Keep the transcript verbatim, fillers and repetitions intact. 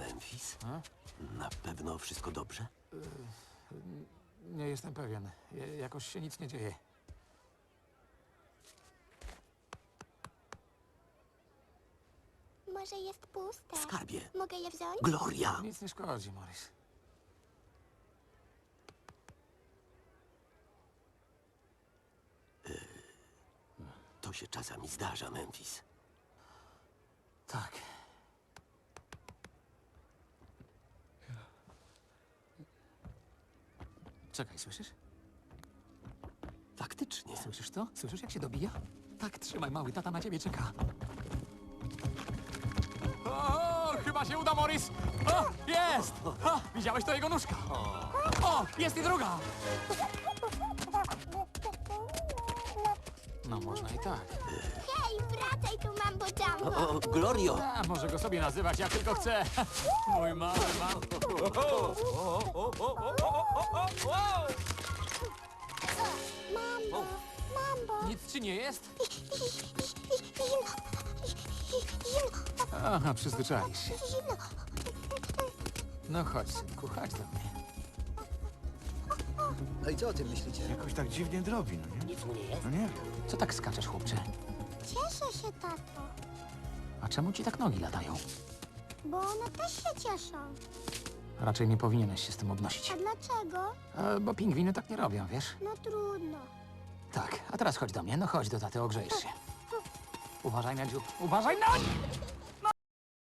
Memphis? A? Na pewno wszystko dobrze? Nie jestem pewien. Je- Jakoś się nic nie dzieje. Może jest puste. Skarbie. Mogę je wziąć? Gloria! Nic nie szkodzi, Morris. To się czasami zdarza, Memphis. Tak. Czekaj, słyszysz? Faktycznie. Słyszysz to? Słyszysz, jak się dobija? Tak, trzymaj, mały, tata na ciebie czeka. O, chyba się uda, Morris! O, jest! O, widziałeś to jego nóżka? O, jest i druga! No, można i tak. Hej, wracaj tu, Mambo Jumbo! O, Glorio! A, może go sobie nazywać, jak tylko chce. Mój mały, mały. Mambo, Mambo! Nic ci nie jest? Zimno! Zimno! Aha, przyzwyczaisz się. Zimno! No chodź, synku, chodź do mnie. No i co o tym myślicie? Jakoś tak dziwnie drobi, no nie? Nic mu nie jest? No nie wiem. Co tak skaczesz, chłopcze? Cieszę się, tato, A czemu ci tak nogi latają? bo one też się cieszą. Raczej nie powinieneś się z tym obnosić. A dlaczego? E, bo pingwiny tak nie robią, wiesz? No trudno. Tak, a teraz chodź do mnie. No chodź do taty, ogrzejesz się. Uważaj na dziób. Uważaj na...